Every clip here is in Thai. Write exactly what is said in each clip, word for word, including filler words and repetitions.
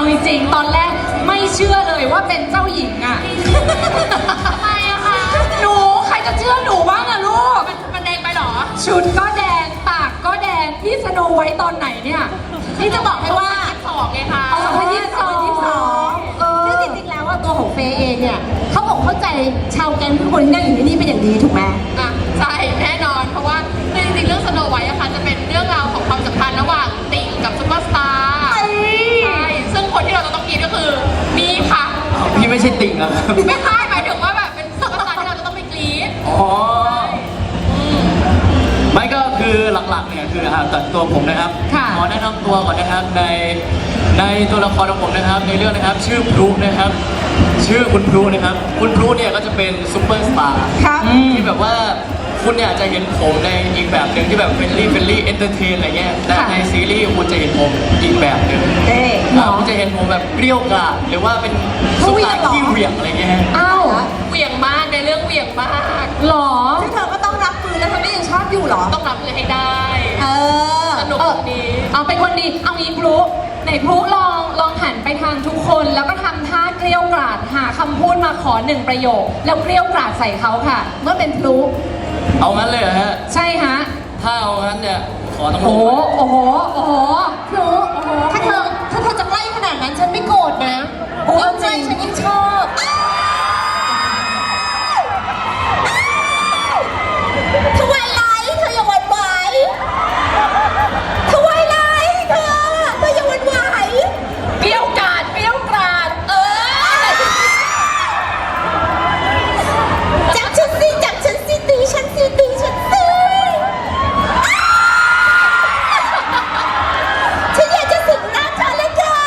จริงๆตอนแรกไม่เชื่อเลยว่าเป็นเจ้าหญิงอ่ะทำไมอะคะหนูใครจะเชื่อหนูบ้างอะลูกมันแดงไปหรอชุดก็แดงปากก็แดงพี่สโนไวท์ตอนไหนเนี่ยนี่จะบอกให้ว่าสองไงคะสองพันยี่สิบสองซึ่งจริงๆแล้วว่าตัวของเฟย์เองเนี่ยเขาบอกเข้าใจชาวแก๊งทุกคนที่นั่งอยู่ที่นี่เป็นอย่างดีถูกไหมอ่ะใช่แน่นอนเพราะว่าจริงๆเรื่องสโนไวท์อะค่ะจะเป็นเรื่องราวของความสัมพันธ์ระหว่างติ่งกับซุปเปอร์สตาร์ใช่ซึ่งคนที่เราจะต้องกินก็คือมีค่ะพี่ไม่ใช่ติ่งอะครับไม่ใช่หมายถึงว่าแบบเป็นซุปเปอร์สตาร์ที่เราจะต้องไปกรี๊ดอ๋อไม่ก็คือหลักๆเนี่ยคือตัดตัวผมนะครับขอแนะนำตัวก่อนนะครับในในตัวละครของผมนะครับในเรื่องนะครับชื่อพลุนะครับชื่อคุณพลุนะครับคุณพลุเนี่ยก็จะเป็นซุปเปอร์สตาร์ที่แบบว่าคุณเนี่ยจะเห็นผมในอีกแบบหนึ่งที่แบบเฟรนลี่เฟรนลี่เอนเตอร์เทนอะไรเงี้ยแต่ในซีรีส์คุณจะเห็นผมอีกแบบหนึ่งคุณจะเห็นผมแบบเปรี้ยวกราดหรือว่าเป็นซุปตาร์ที่เหวี่ยงอะไรเงี้ยอ้าวเหวี่ยงมากในเรื่องเหวี่ยงมากหรอที่เธอก็ต้องรับมือแล้วเธอไม่ยังชอบอยู่หรอต้องรับมือให้ได้เออสนุกดีเอาเป็นคนดีเอางี้พลุไหนพลุลองลองหันไปทางทุกคนแล้วก็ทำท่าเกลี้ยวกราดหาคำพูดมาขอหนึ่งประโยคแล้วเกลี้ยวกราดใส่เขาค่ะเมื่อเป็นพลุเอางั้นเลยเหรอฮะใช่ฮะถ้าเอางั้นเนี่ยขอต้องโอ้โหโอ้โหโอ้โหพลุโอ้โหถ้าเธอถ้าเธอจะใกล้ขนาดนั้นฉันไม่โกรธนะโอ้จริงฉันยิ่งชอบทวายไลท์เธออย่าหวั่นไหวทวายไลท์เธอเธออย่าหวั่นไหวเปรี้ยวกราดเปรี้ยวกราดเออจับฉันสิจับฉันสิตีฉันสิตีฉันสิฉันอยากจะสิงน้ำเธอเลยค่ะ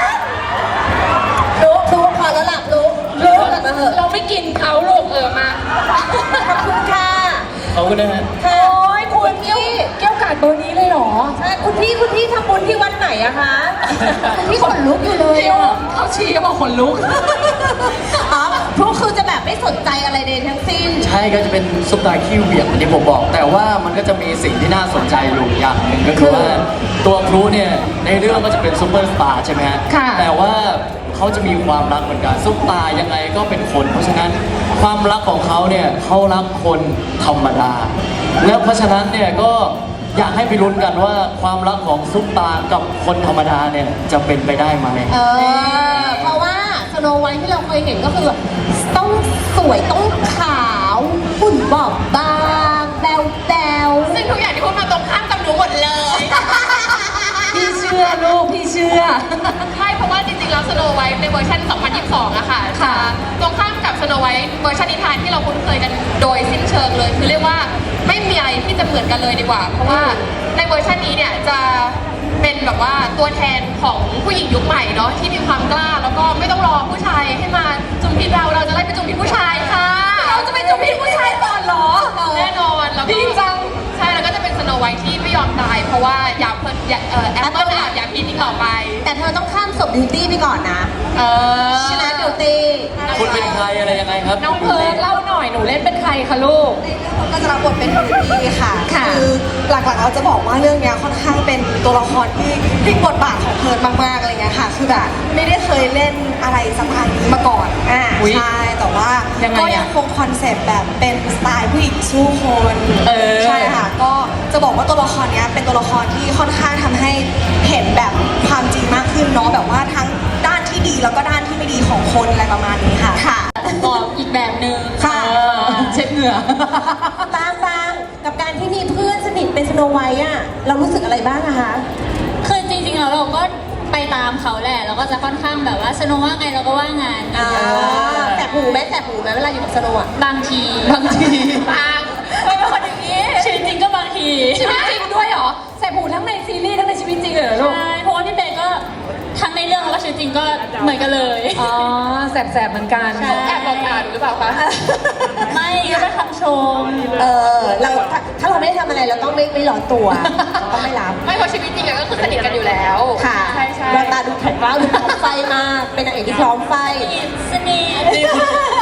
รู้รู้พอแล้วล่ะรู้รู้แล้วมาเถอะเราไม่กินเขาลูกเออมาขอบคุณค่ะขอบคุณนะฮะโอ้ยคุณพี่เกี่ยวกาดเบอร์นี้เลยเหรอใช่คุณพี่คุณพี่ทำบุญที่วัดไหนอะคะคุณพี่ขนลุกอยู่เลยเขาชี้ก็บอกขนลุกอ๋อพวกคือจะแบบไม่สนใจอะไรใดทั้งสิ้นใช่ก็จะเป็นซุปตาขี้เหวี่ยงที่ผมบอกแต่ว่ามันก็จะมีสิ่งที่น่าสนใจอยู่อย่างหนึ่งก็คือว่าตัวพลุเนี่ยในเรื่องก็จะเป็นซุปเปอร์สตาร์ใช่ไหมฮะแต่ว่าเขาจะมีความรักเหมือนกันซุปตายังไงก็เป็นคนเพราะฉะนั้นความรักของเขาเนี่ยเขารักคนธรรมดาแล้วเพราะฉะนั้นเนี่ยก็อยากให้ไปลุ้นกันว่าความรักของซุปตากับคนธรรมดาเนี่ยจะเป็นไปได้ไหมเออเพราะว่าสโนไวท์ที่เราเคยเห็นก็คือต้องสวยต้องขาวหุ่นบอบบางแบวแบวซึ่งทุกอย่างที่พูดมาตรงข้ามกับหนูหมดเลยพี่เชื่อลูกพี่เชื่อใช่เพราะว่าจริงๆแล้วสโนไวท์ในเวอร์ชันสองพันยี่สิบสองอะค่ะค่ะตรงข้ามกับสโนไวท์เวอร์ชันนิทานที่เราคุ้นเคยกันโดยสิ้นเชิงเลยคือเรียกว่าไม่มีอะไรที่จะเหมือนกันเลยดีกว่าเพราะว่าในเวอร์ชันนี้เนี่ยจะเป็นแบบว่าตัวแทนของผู้หญิงยุคใหม่เนาะที่มีความกล้าแล้วก็ไม่ต้องรอผู้ชายให้มาจุ่มพิษเราเราจะไล่ไปจุ่มพิษผู้ชายค่ะเราจะไปจุ่มพิษผู้ชายก่อนเหรอแน่นอนแล้วดีจังใช่แล้วก็จะเป็นสโนไวท์ที่ไม่ยอมตายเพราะว่าอยากเพิ่มอยากเอ่อแอปเปิ้ลอยากพิษอีกต่อไปแต่เธอต้องข้ามศพบิวตี้ไปก่อนนะเออชนะบิวตี้คุณเป็นใครอะไรยังไงครับน้องเพิร์ดเล่าหน่อยหนูเล่นเป็นใครคะลูกก็จะรับบทเป็นบิวตี้ค่ะคือหลักๆเราจะบอกว่าเรื่องนี้ค่อนข้างเป็นตัวละครที่พลิกบทบาทของเพิร์ดมากๆอะไรเงี้ยค่ะคือแบบไม่ได้เคยเล่นอะไรสไตล์นี้มาก่อนอ่าใช่แต่ว่าก็ยังคงคอนเซ็ปต์แบบเป็นสไตล์ผู้หญิงสู้คนใช่ค่ะก็จะบอกว่าตัวละครนี้เป็นตัวละครที่ค่อนข้างทำให้เห็นแบบความจริงมากขึ้นเนาะแบบว่าทั้งด้านที่ดีแล้วก็ด้านที่ไม่ดีของคนอะไรประมาณนี้ค่ะค่ะบอกอีกแบบหนึ่งค่ะเช็ดเหงื่อบางบางกับการที่มีเพื่อนสนิทเป็นสโนไวท์อะเรารู้สึกอะไรบ้างอะคะคือจริงๆแล้วเราก็ไปตามเขาแหละเราก็จะค่อนข้างแบบว่าสโนว่าไงเราก็ว่างานแต่หูแม้แต่หูแม้เวลาอยู่กับสโนอะบางทีบางทีบางไม่เป็นคนอย่างนี้ชีวิตจริงก็บางทีชีวิตจริงด้วยเหรอแสบหูทั้งในซีรีส์ทั้งในชีวิตจริงเลยเหรอลูกใช่เพราะว่าพี่เบย์ก็ทั้งในเรื่องแล้วก็ชีวิตจริงก็เหมือนกันเลยอ๋อแสบๆเหมือนกันเขาแอบบอกอ่านหรือเปล่าคะไม่ก็เป็นคำชมเออเราถ้าเราไม่ได้ทำอะไรเราต้องไม่ไม่ร้อนตัวต้องไม่รับไม่เพราะชีวิตจริงก็คือสนิทกันอยู่แล้วค่ะใช่ใช่แววตาดูแข็งกร้าวดูพร้อมไฟมากเป็นนางเอกที่พร้อมไฟสนิท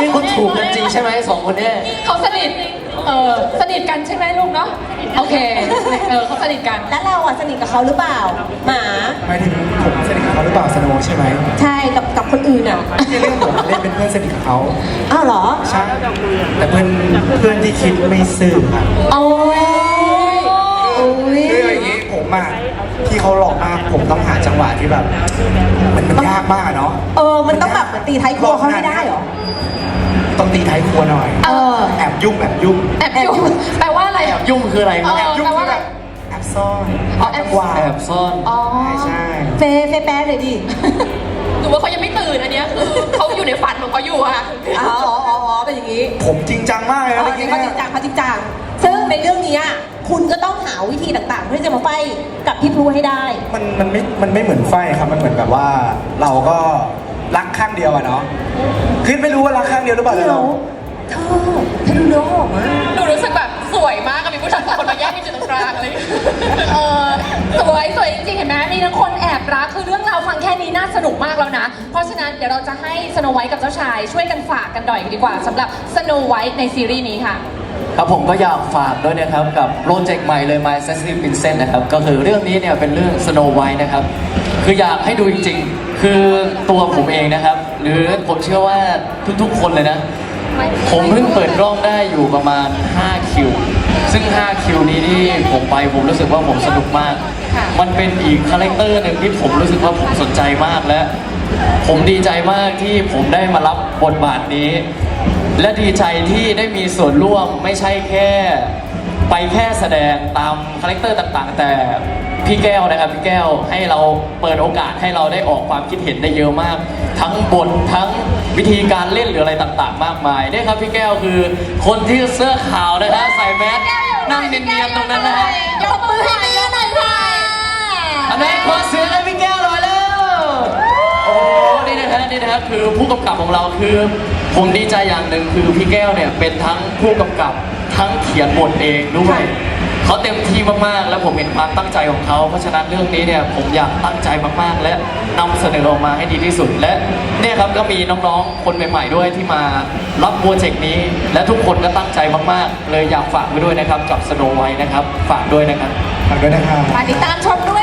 นี่คุณถูกกันจริงใช่ไหมสองคนเนี่ยเขาสนิท เออสนิทกันใช่ไหมลูกเนาะ โอเค เออเขาสนิทกันแล้วเราอ่ะสนิทกับเขาหรือเปล่า หมาหมายถึงผมสนิทกับเขาหรือเปล่าสโนว์ใช่ไหมใช่กับกับคนอื่นอ่ะในเรื่องผมเล่นเป็นเพื่อนสนิทกับเขาอ้าวเหรอใช่แต่เพื่อนเพื่อนที่คิดไม่ซื่อครับโอ้ยโอ้ยคืออย่างนี้ผมอ่ะที่เขาหลอกมากผมต้องหาจังหวะที่แบบ มันมันยากมากอะเนาะเออ มันต้องแบบเหมือนตีท้ายครัวเขาให้ได้เหรอต้องตีท้ายครัวหน่อยเออแอบยุ่งแอบยุ่งแอบยุ่งแปลว่าอะไรอ่ะยุ่งคืออะไรครับเอแอบอยุ่งแปลว่าคืออะไรแบบแอบซ่อนอ๋อแอบจังหวะแอบซ่อนอ๋อใช่เฟย์เฟย์แป๊ดเลยดิหรือว่าเขายังไม่ตื่นอันเนี้ยคือเขาอยู่ในฝันของเขาอยู่อะอ๋ออ๋ออ๋ออ๋อเป็นอย่างนี้ผมจริงจังมากเลยเอนะอเมื่อกี้เขาจเนี่ริยงจังเขาจริงจังซึ่งในเรื่องนี้อะคุณก็ต้องหาวิธีต่างๆ เพื่อจะมาไฟกับพี่พลูให้ได้มันมันไม่มันไม่เหมือนไฟครับมันเหมือนแบบว่า เราก็รักข้างเดียวอะเนาะคือไม่รู้ว่ารักข้างเดียวหรือเปล่าเดี๋แต่ยวเราเธอเธอดูเนื้อหอมมากหนูรู้สึกแบบสวยมากกับมีผู้ชายสองคนมาแยกเป็นจุดตรงกลางอะไรอย่างเงี้ยเออสวยสวยจริงๆเห็นไหมมีทั้งคนแอบรักคือเรื่องราวฟังแค่นี้น่าสนุกมากแล้วนะ เพราะฉะนั้นเดี๋ยวเราจะให้สโนไวท์กับเจ้าชายช่วยกันฝากกันหน่อยดีกว่าสำหรับสโนไวท์ในซีรีส์นี้ค่ะครับผมก็อยากฝากด้วยนะครับกับโปรเจกต์ใหม่เลย My Sensitive Princess นะครับก็คือเรื่องนี้เนี่ยเป็นเรื่อง Snow White นะครับคืออยากให้ดูจริงๆ คือตัวผมเองนะครับ หรือผมเชื่อว่าทุกๆคนเลยนะ ผมเพิ่งเปิดกล้องได้อยู่ประมาณห้าคิวซึ่งห้าคิวนี้ที่ผมไปผมรู้สึกว่าผมสนุกมากค่ะมันเป็นอีกคาแรคเตอร์หนึ่งที่ผมรู้สึกว่าผมสนใจมากและ ผมดีใจมากที่ผมได้มารับบทบาทนี้ และดีใจที่ได้มีส่วนร่วมไม่ใช่แค่ไปแค่แสดงตามคาแรคเตอร์ต่างๆ แต่พี่แก้วนะครับพี่แก้วให้เราเปิดโอกาสให้เราได้ออกความคิดเห็นได้เยอะมาก ทั้งบททั้งวิธีการเล่นหรืออะไรต่างๆ มากมายเนี่ยครับพี่แก้วคือคนที่เสื้อขาวนะฮะใส่แมสนั่งเนียนๆตรงนั้นนะฮะยกมือให้พี่หน่อยค่ะอันนี้ขอเสียงให้พี่แก้วหน่อยแล้ว โอ้โหนี่นะฮะนี่นะฮะคือผู้กำกับของเราคือ ผมดีใจอย่างหนึ่งคือพี่แก้วเนี่ยเป็นทั้งผู้กำกับทั้งเขียนบทเองด้วยเขาเต็มที่มากๆ แล้วผมเห็นความตั้งใจของเขาเพราะฉะนั้นเรื่องนี้เนี่ยผมอยากตั้งใจมากๆ และนำเสนอออกมาให้ดีที่สุด และเนี่ยครับก็มีน้องๆคนใหม่ๆด้วยที่มารับโปรเจกต์นี้ และทุกคนก็ตั้งใจมากๆ เลยอยากฝากไว้ด้วยนะครับกับ Snow White นะครับฝากด้วยนะครับฝากด้วยนะครับมาติดตามชมด้วย